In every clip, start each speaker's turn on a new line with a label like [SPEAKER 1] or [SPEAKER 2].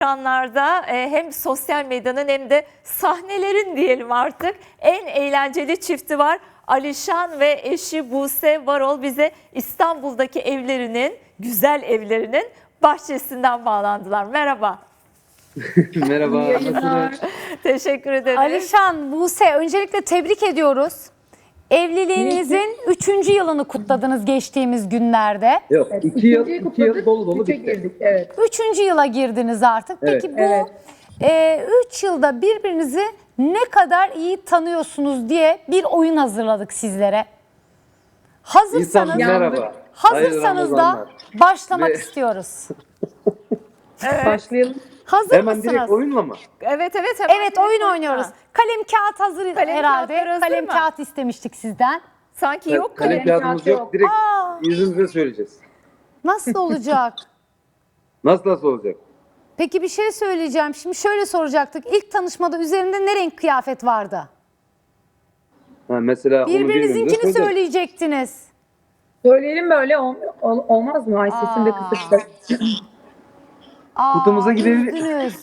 [SPEAKER 1] ekranlarda hem sosyal medyanın hem de sahnelerin diyelim artık en eğlenceli çifti var. Alişan ve eşi Buse Varol bize İstanbul'daki evlerinin, güzel evlerinin bahçesinden bağlandılar. Merhaba.
[SPEAKER 2] Merhaba, nasılsınız?
[SPEAKER 1] Teşekkür ederim.
[SPEAKER 3] Alişan, Buse, öncelikle tebrik ediyoruz. Evliliğinizin 3. yılını kutladınız geçtiğimiz günlerde.
[SPEAKER 2] Yok,
[SPEAKER 4] Evet,
[SPEAKER 2] 2 yıl dolu dolu
[SPEAKER 4] üçe
[SPEAKER 2] bitti.
[SPEAKER 4] girdik, evet.
[SPEAKER 3] 3. yıla girdiniz artık.
[SPEAKER 2] Evet.
[SPEAKER 3] Peki bu 3 yılda birbirinizi ne kadar iyi tanıyorsunuz diye bir oyun hazırladık sizlere. Hazırsanız,
[SPEAKER 2] İnsan merhaba.
[SPEAKER 3] hazırsanız
[SPEAKER 2] Hayırlı
[SPEAKER 3] da
[SPEAKER 2] Ramazanlar.
[SPEAKER 3] başlamak
[SPEAKER 2] Ve-
[SPEAKER 3] istiyoruz.
[SPEAKER 4] Başlayalım.
[SPEAKER 3] Hazır
[SPEAKER 2] Hemen
[SPEAKER 3] mısınız?
[SPEAKER 2] direkt oyunla mı?
[SPEAKER 1] Evet hemen
[SPEAKER 3] Evet, oyun oynuyoruz. Kalem kağıt hazır
[SPEAKER 1] Kalem
[SPEAKER 3] herhalde.
[SPEAKER 1] kağıtlar hazır
[SPEAKER 3] Kalem
[SPEAKER 1] mı?
[SPEAKER 3] kağıt istemiştik sizden.
[SPEAKER 1] Sanki yok
[SPEAKER 2] Kalem
[SPEAKER 1] kalem.
[SPEAKER 2] kağıdımız
[SPEAKER 4] kağıt
[SPEAKER 2] yok.
[SPEAKER 4] yok.
[SPEAKER 2] Direkt
[SPEAKER 3] Aa.
[SPEAKER 2] yüzümüze söyleyeceğiz.
[SPEAKER 3] Nasıl olacak?
[SPEAKER 2] Nasıl olacak?
[SPEAKER 3] Peki bir şey söyleyeceğim. Şimdi şöyle soracaktık. İlk tanışmada üzerinde ne renk kıyafet vardı?
[SPEAKER 2] Ha, mesela onu
[SPEAKER 3] Birbirinizinkini
[SPEAKER 2] birbirimize söyleyeceğiz.
[SPEAKER 3] söyleyecektiniz.
[SPEAKER 4] Söyleyelim böyle olmaz mı? Ay sesim de kısık.
[SPEAKER 3] Aa,
[SPEAKER 2] Kutumuza gidelim.
[SPEAKER 3] üzgünüz.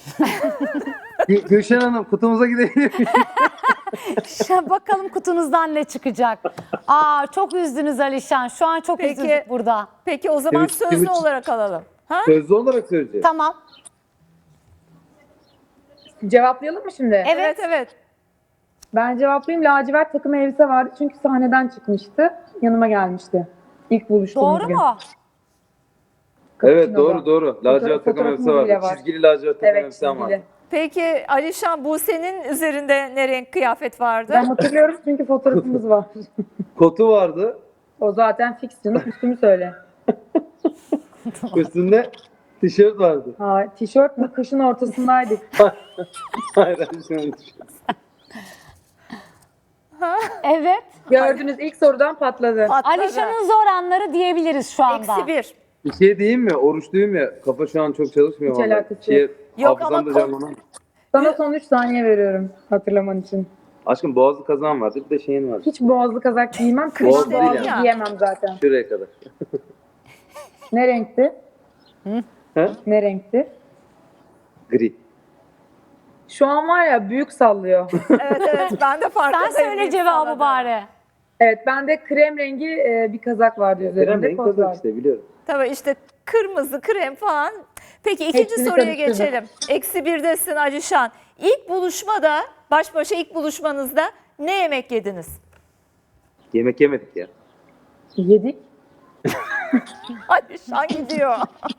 [SPEAKER 2] Gülşen Hanım, kutumuza gidelim.
[SPEAKER 3] Bakalım kutunuzdan ne çıkacak. Aa, çok üzdünüz Alişan. Şu an çok
[SPEAKER 1] Peki.
[SPEAKER 3] üzüldük burada.
[SPEAKER 1] Peki o zaman
[SPEAKER 2] Evet,
[SPEAKER 1] sözlü
[SPEAKER 2] evet.
[SPEAKER 1] olarak alalım. Ha?
[SPEAKER 2] Sözlü olarak söyleyeceğiz.
[SPEAKER 3] Tamam.
[SPEAKER 4] Cevaplayalım mı şimdi?
[SPEAKER 3] Evet.
[SPEAKER 1] Evet.
[SPEAKER 4] Ben cevaplayayım. Lacivert takım elbise vardı çünkü sahneden çıkmıştı. Yanıma gelmişti. İlk buluştuğumuz
[SPEAKER 3] Doğru
[SPEAKER 4] gün.
[SPEAKER 3] mu?
[SPEAKER 2] Evet,
[SPEAKER 4] Cappuccino'da.
[SPEAKER 2] doğru. Lacivert takım
[SPEAKER 4] Fotoğrafımız
[SPEAKER 2] elbise
[SPEAKER 4] bile
[SPEAKER 2] vardı.
[SPEAKER 4] var.
[SPEAKER 2] Çizgili lacivert takım
[SPEAKER 4] Evet,
[SPEAKER 2] elbise var.
[SPEAKER 4] çizgili.
[SPEAKER 1] Peki Alişan, Buse'nin üzerinde ne renk kıyafet vardı?
[SPEAKER 4] Ben hatırlıyorum çünkü fotoğrafımız var.
[SPEAKER 2] Kotu vardı.
[SPEAKER 4] O zaten fix canım. Üstümü söyle.
[SPEAKER 2] Üstünde tişört vardı.
[SPEAKER 4] Ha, tişört mü? Kışın ortasındaydık.
[SPEAKER 2] Hayır, şunu
[SPEAKER 3] Evet.
[SPEAKER 4] Gördünüz ilk sorudan patladı.
[SPEAKER 1] Patladı.
[SPEAKER 3] Alişan'ın zor anları diyebiliriz şu anda.
[SPEAKER 1] -1.
[SPEAKER 2] Bir şey diyeyim mi? Oruçluyum ya. Kafa şu an çok çalışmıyor.
[SPEAKER 4] Hiç
[SPEAKER 2] vallahi.
[SPEAKER 4] alakası
[SPEAKER 2] Şey,
[SPEAKER 4] yok.
[SPEAKER 1] Yok
[SPEAKER 2] hafızam
[SPEAKER 1] ama
[SPEAKER 2] da canlanan.
[SPEAKER 4] Sana son 3 saniye veriyorum hatırlaman için.
[SPEAKER 2] Aşkım boğazlı kazan vardı. Bir de şeyin vardı.
[SPEAKER 4] Hiç boğazlı kazak giymem. Kışın
[SPEAKER 2] Boğaz değil
[SPEAKER 4] boğazlı
[SPEAKER 1] yani.
[SPEAKER 4] giyemem zaten.
[SPEAKER 2] Şuraya kadar.
[SPEAKER 4] Ne renkti?
[SPEAKER 2] He?
[SPEAKER 4] Ne renkti?
[SPEAKER 2] Gri.
[SPEAKER 4] Şu an var ya büyük sallıyor.
[SPEAKER 1] Evet ben de farkındayım.
[SPEAKER 3] Sen söyle cevabı bari.
[SPEAKER 4] Evet bende krem rengi bir kazak vardı
[SPEAKER 2] Krem
[SPEAKER 4] üzerinde.
[SPEAKER 2] renk
[SPEAKER 4] Kot
[SPEAKER 2] kazak
[SPEAKER 4] vardı.
[SPEAKER 2] işte biliyorum.
[SPEAKER 1] Tabii işte kırmızı, krem falan. Peki ikinci
[SPEAKER 4] Hepsini
[SPEAKER 1] soruya
[SPEAKER 4] karıştırdım.
[SPEAKER 1] geçelim. -1'desin Alişan. İlk buluşmada, baş başa ilk buluşmanızda ne yemek yediniz?
[SPEAKER 2] Yemek yemedik ya.
[SPEAKER 4] Yedik.
[SPEAKER 1] Alişan gidiyor.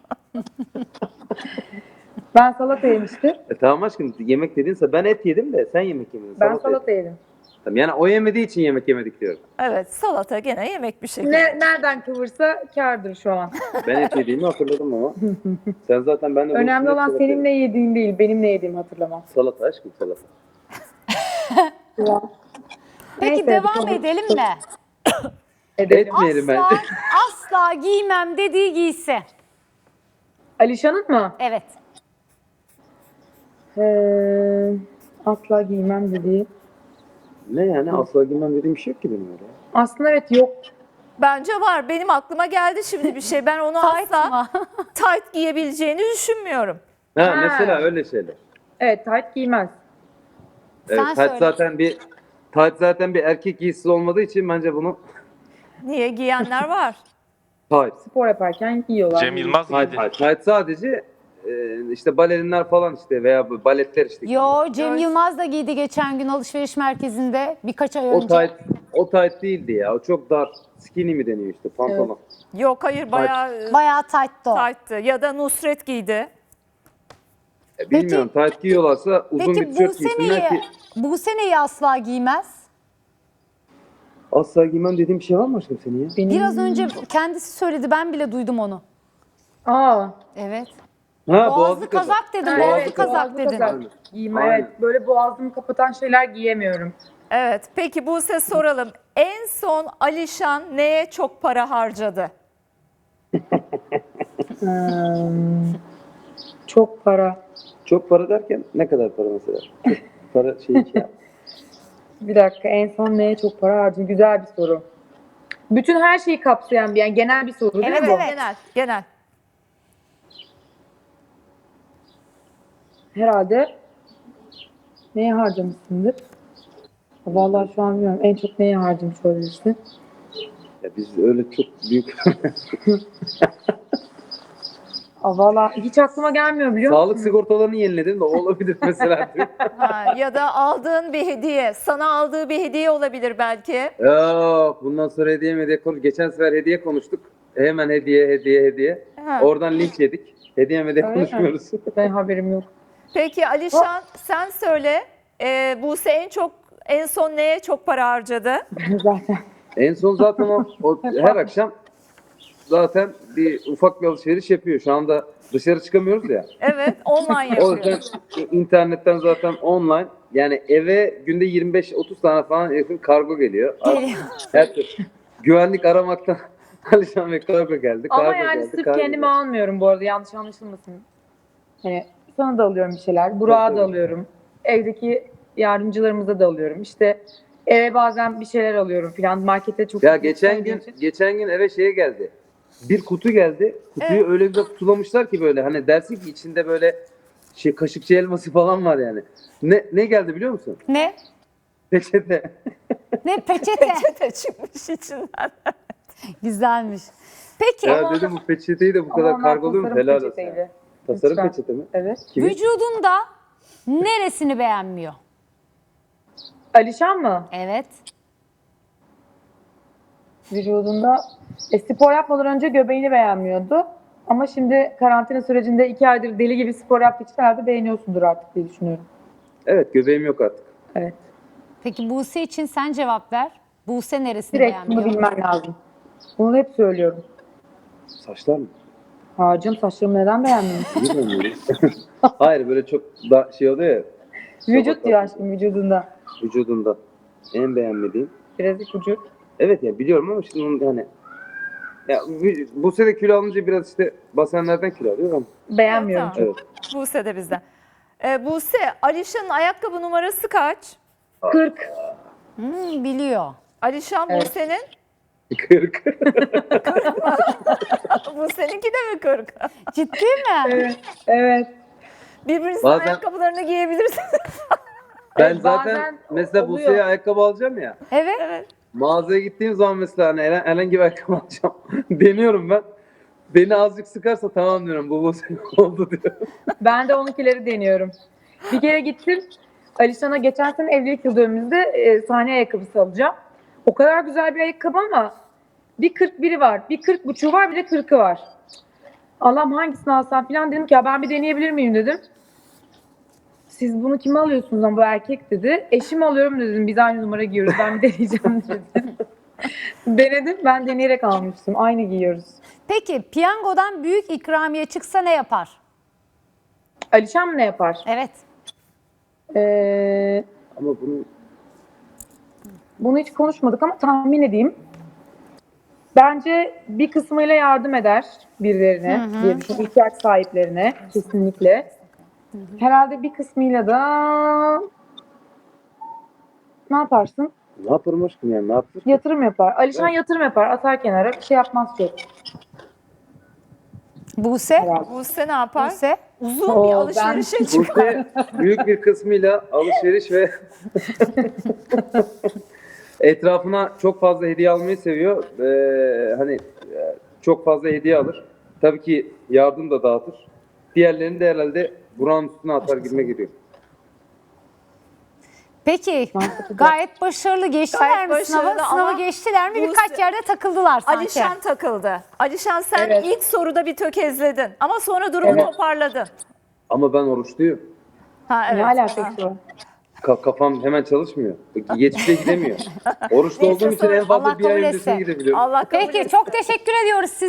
[SPEAKER 4] Ben salata yemiştim.
[SPEAKER 2] Tamam aşkım yemek dedinse ben et yedim de sen yemek yemedin.
[SPEAKER 4] Ben
[SPEAKER 2] Salata
[SPEAKER 4] salata
[SPEAKER 2] yedin.
[SPEAKER 4] yedim.
[SPEAKER 2] Tamam, yani o yemediği için yemek yemedik diyorum.
[SPEAKER 1] Evet, salata gene yemek bir şekilde.
[SPEAKER 4] Nereden kıvırsa kârdır şu an.
[SPEAKER 2] Ben et yediğimi hatırladım ama. Sen zaten benimle
[SPEAKER 4] Önemli
[SPEAKER 2] buluştuğunda
[SPEAKER 4] olan
[SPEAKER 2] salata
[SPEAKER 4] senin
[SPEAKER 2] yedin.
[SPEAKER 4] ne yediğin değil, benim ne yediğimi hatırlamam.
[SPEAKER 2] Salata aşkım salata.
[SPEAKER 3] Peki
[SPEAKER 4] Neyse,
[SPEAKER 3] devam
[SPEAKER 4] sonra-
[SPEAKER 3] edelim mi?
[SPEAKER 4] Edelim.
[SPEAKER 2] Etmeyelim ben.
[SPEAKER 3] Asla giymem dediği giysi.
[SPEAKER 4] Alişan'ın mı?
[SPEAKER 3] Evet.
[SPEAKER 4] Asla giymem dediği.
[SPEAKER 2] Ne yani asla giymem dediğim bir şey yok ki benim öyle.
[SPEAKER 4] Aslında evet yok.
[SPEAKER 1] Bence var. Benim aklıma geldi şimdi bir şey. Ben onu
[SPEAKER 3] Tight
[SPEAKER 1] asla
[SPEAKER 3] mı?
[SPEAKER 1] tight giyebileceğini düşünmüyorum.
[SPEAKER 2] Ha,
[SPEAKER 4] Ha.
[SPEAKER 2] mesela öyle şeyler.
[SPEAKER 4] Evet tight giymez.
[SPEAKER 2] Evet,
[SPEAKER 3] Sen
[SPEAKER 2] tight
[SPEAKER 3] söyle.
[SPEAKER 2] zaten bir erkek giysisi olmadığı için bence bunu
[SPEAKER 1] Niye giyenler var?
[SPEAKER 2] tight.
[SPEAKER 4] Spor yaparken giyiyorlar.
[SPEAKER 5] Cem Yılmaz
[SPEAKER 2] Tight,
[SPEAKER 5] giydi.
[SPEAKER 2] tight sadece işte balerinler falan işte veya bu baletler işte.
[SPEAKER 3] Yo, Cem
[SPEAKER 1] Evet.
[SPEAKER 3] Yılmaz da giydi geçen gün alışveriş merkezinde birkaç ay
[SPEAKER 2] O
[SPEAKER 3] önce.
[SPEAKER 2] tight değildi ya. O çok dar. Skinny mi deniyor işte pantolon.
[SPEAKER 1] Yok hayır bayağı
[SPEAKER 3] Bayağı tight'tı o.
[SPEAKER 1] tight'tı. Ya da Nusret giydi.
[SPEAKER 2] Bilmiyorum tight giyiyorlarsa uzun
[SPEAKER 3] Peki
[SPEAKER 2] bir tişört giysinler ki.
[SPEAKER 3] Buse neyi asla giymez?
[SPEAKER 2] Asla giymem dediğim bir şey var mı aşkım senin ya?
[SPEAKER 4] Benim...
[SPEAKER 3] Biraz önce kendisi söyledi, ben bile duydum onu.
[SPEAKER 4] Aa.
[SPEAKER 3] Evet.
[SPEAKER 2] Ha
[SPEAKER 3] Boğazlı kazak dedim,
[SPEAKER 4] Evet,
[SPEAKER 3] boğazlı kazak
[SPEAKER 4] boğazlı
[SPEAKER 3] dedim.
[SPEAKER 4] kazak. Giyme
[SPEAKER 2] Aynen.
[SPEAKER 4] evet. Böyle boğazımı kapatan şeyler giyemiyorum.
[SPEAKER 1] Evet. Peki Buse soralım. En son Alişan neye çok para harcadı?
[SPEAKER 4] Çok para.
[SPEAKER 2] Çok para derken ne kadar para mesela? Çok para şey yap.
[SPEAKER 4] Bir dakika en son neye çok para harcadım? Güzel bir soru. Bütün her şeyi kapsayan bir yani genel bir soru değil
[SPEAKER 3] Evet,
[SPEAKER 4] mi bu?
[SPEAKER 3] evet.
[SPEAKER 1] Genel.
[SPEAKER 4] herhalde neye harcamışsındır? Vallahi şu an bilmiyorum. En çok neye harcamış olabilirsin?
[SPEAKER 2] Ya biz öyle çok büyük
[SPEAKER 4] Vallahi hiç aklıma gelmiyor biliyor musun?
[SPEAKER 2] sağlık sigortalarını yeniledim de o olabilir mesela.
[SPEAKER 1] Ha, ya da aldığın bir hediye, sana aldığı bir hediye olabilir belki.
[SPEAKER 2] Yok, bundan sonra hediye konuş. Geçen sefer hediye konuştuk. Hemen hediye.
[SPEAKER 1] Ha.
[SPEAKER 2] Oradan linç yedik. Hediye
[SPEAKER 4] Öyle mi?
[SPEAKER 2] konuşmuyoruz.
[SPEAKER 4] Ben haberim yok.
[SPEAKER 1] Peki Alişan sen söyle. Buse en son neye çok para harcadı?
[SPEAKER 4] Zaten.
[SPEAKER 2] En son zaten o her akşam zaten bir ufak bir alışveriş yapıyor. Şu anda dışarı çıkamıyoruz ya.
[SPEAKER 1] Evet, online
[SPEAKER 2] O
[SPEAKER 1] yapıyor.
[SPEAKER 2] yüzden internetten zaten online, yani eve günde 25-30 tane falan yakın kargo geliyor.
[SPEAKER 1] Geliyor.
[SPEAKER 2] Her türlü güvenlik aramaktan Alişan Bey kargo geldi.
[SPEAKER 4] Ama
[SPEAKER 2] kargo
[SPEAKER 4] yani
[SPEAKER 2] geldi,
[SPEAKER 4] sırf
[SPEAKER 2] kargo
[SPEAKER 4] kendime
[SPEAKER 2] geldi.
[SPEAKER 4] almıyorum bu arada, yanlış anlaşılmasın. Hani sana da alıyorum bir şeyler, Burak'a
[SPEAKER 2] Tabii,
[SPEAKER 4] da
[SPEAKER 2] tabii.
[SPEAKER 4] alıyorum. Evdeki yardımcılarımıza da alıyorum. İşte eve bazen bir şeyler alıyorum falan. Markete çok
[SPEAKER 2] Ya
[SPEAKER 4] sık
[SPEAKER 2] geçen
[SPEAKER 4] gitmediğim
[SPEAKER 2] gün
[SPEAKER 4] için.
[SPEAKER 2] geçen gün eve şeye geldi. Bir kutu geldi. Kutuyu öyle güzel kutulamışlar ki böyle, hani dersin ki içinde böyle kaşıkçı elması falan var yani. Ne geldi biliyor musun?
[SPEAKER 3] Ne?
[SPEAKER 2] Peçete.
[SPEAKER 3] Ne peçete?
[SPEAKER 1] Peçete çıkmış içinden.
[SPEAKER 3] Güzelmiş. Peki
[SPEAKER 2] Ya dedim bu peçeteyi de bu
[SPEAKER 4] Ama
[SPEAKER 2] kadar
[SPEAKER 4] onlar
[SPEAKER 2] kargoluyor mu?
[SPEAKER 4] tasarım
[SPEAKER 2] Helal olsun.
[SPEAKER 4] peçeteydi.
[SPEAKER 2] Tasarım
[SPEAKER 4] Lütfen.
[SPEAKER 2] peçete mi?
[SPEAKER 4] Evet.
[SPEAKER 2] Kimin?
[SPEAKER 3] vücudunda neresini beğenmiyor?
[SPEAKER 4] Alişan mı?
[SPEAKER 3] Evet.
[SPEAKER 4] Vücudunda spor yapmadan önce göbeğini beğenmiyordu. Ama şimdi karantina sürecinde 2 aydır deli gibi spor yaptığı için herhalde beğeniyorsundur artık diye düşünüyorum.
[SPEAKER 2] Evet, göbeğim yok artık.
[SPEAKER 4] Evet.
[SPEAKER 3] Peki Buse için sen cevap ver. Buse neresini
[SPEAKER 4] Direkt bunu
[SPEAKER 3] beğenmiyor?
[SPEAKER 4] bilmen lazım. Bunu hep söylüyorum.
[SPEAKER 2] Saçlar mı?
[SPEAKER 4] Hacım saçlarımı neden beğenmiyorsun?
[SPEAKER 2] Bilmiyorum böyle. Hayır, böyle çok da şey oluyor ya.
[SPEAKER 4] Vücut diyor aşkım, vücudunda.
[SPEAKER 2] Vücudunda. En beğenmediğim.
[SPEAKER 4] Biraz ipucu.
[SPEAKER 2] Evet ya, biliyorum ama şimdi onu hani ya bu sene kilo alınca biraz işte basenlerden kilo alıyor ama.
[SPEAKER 4] Beğenmiyorum
[SPEAKER 1] Evet,
[SPEAKER 4] çok.
[SPEAKER 2] Evet.
[SPEAKER 1] Buse de bizden. Buse, Alişan'ın ayakkabı numarası kaç?
[SPEAKER 4] 40.
[SPEAKER 3] Biliyor.
[SPEAKER 1] Alişan
[SPEAKER 4] Evet.
[SPEAKER 1] Buse'nin?
[SPEAKER 2] 40.
[SPEAKER 1] Buse'ninki de mi 40?
[SPEAKER 3] Ciddi mi?
[SPEAKER 4] Evet. Evet.
[SPEAKER 1] Birbirinizin
[SPEAKER 2] Bazen-
[SPEAKER 1] ayakkabılarını giyebilirsiniz.
[SPEAKER 2] Ben
[SPEAKER 4] Evet,
[SPEAKER 2] zaten
[SPEAKER 4] bazen
[SPEAKER 2] mesela
[SPEAKER 4] oluyor.
[SPEAKER 2] Buse'ye ayakkabı alacağım ya.
[SPEAKER 3] Evet.
[SPEAKER 1] Evet.
[SPEAKER 2] Mağazaya gittiğim zaman mesela hani herhangi bir ayakkabı alacağım. Deniyorum ben. Beni azıcık sıkarsa tamam diyorum, bu Buse oldu diyorum.
[SPEAKER 4] Ben de onunkileri deniyorum. Bir kere gittim. Alişan'a geçen sene evlilik yıl dönümümüzde sahne ayakkabısı alacağım. O kadar güzel bir ayakkabı ama bir 41'i var, bir 40,5'u var, bir de 40'ı var. Allah'ım hangisini alsam falan dedim ki ya ben bir deneyebilir miyim dedim. Siz bunu kime alıyorsunuz ama bu erkek dedi. Eşim alıyorum dedim. Biz aynı numara giyiyoruz. Ben bir deneyeceğim dedim. Denedim. Ben deneyerek almıştım. Aynı giyiyoruz.
[SPEAKER 3] Peki piyangodan büyük ikramiye çıksa ne yapar?
[SPEAKER 4] Alişan mı ne yapar?
[SPEAKER 3] Evet.
[SPEAKER 2] Ama
[SPEAKER 4] Bunu hiç konuşmadık ama tahmin edeyim. Bence bir kısmıyla yardım eder birilerine diye düşünüyorum. İhtiyaç sahiplerine kesinlikle. Herhalde bir kısmıyla da ne yaparsın?
[SPEAKER 2] ne yaparım aşkım yani, ne yaptır?
[SPEAKER 4] Yatırım yapar. Alişan yatırım yapar. Atar kenara. Bir şey yapmaz çok.
[SPEAKER 3] Buse?
[SPEAKER 4] Herhalde.
[SPEAKER 1] Buse ne yapar?
[SPEAKER 3] Buse?
[SPEAKER 1] Uzun
[SPEAKER 4] Oo,
[SPEAKER 1] bir
[SPEAKER 4] ben-
[SPEAKER 1] alışverişe çıkar.
[SPEAKER 2] Buse büyük bir kısmıyla alışveriş ve etrafına çok fazla hediye almayı seviyor. Hani çok fazla hediye alır. Tabii ki yardım da dağıtır. Diğerlerini de herhalde buranın üstüne atar gibime geliyor.
[SPEAKER 3] Peki
[SPEAKER 4] Mantıklı.
[SPEAKER 3] gayet başarılı geçtiler
[SPEAKER 1] Gayet
[SPEAKER 3] mi sınavı?
[SPEAKER 1] başarılı
[SPEAKER 3] Sınavı
[SPEAKER 1] ama
[SPEAKER 3] geçtiler mi?
[SPEAKER 1] Buse-
[SPEAKER 3] Birkaç yerde takıldılar sanki.
[SPEAKER 1] Alişan takıldı. Alişan sen
[SPEAKER 4] Evet.
[SPEAKER 1] ilk soruda bir tökezledin ama sonra durumu
[SPEAKER 4] Evet.
[SPEAKER 1] toparladın.
[SPEAKER 2] Ama ben oruçluyum.
[SPEAKER 1] Ha evet.
[SPEAKER 4] Ne alakası var?
[SPEAKER 2] Kafam hemen çalışmıyor. Geçmişe gidemiyor. Oruçlu olduğum için en
[SPEAKER 3] Allah
[SPEAKER 2] fazla bir ay
[SPEAKER 3] kabul
[SPEAKER 2] öncesine
[SPEAKER 3] etse.
[SPEAKER 2] gidebiliyorum.
[SPEAKER 1] Allah kabul
[SPEAKER 3] Peki
[SPEAKER 1] etsin.
[SPEAKER 3] çok teşekkür ediyoruz size.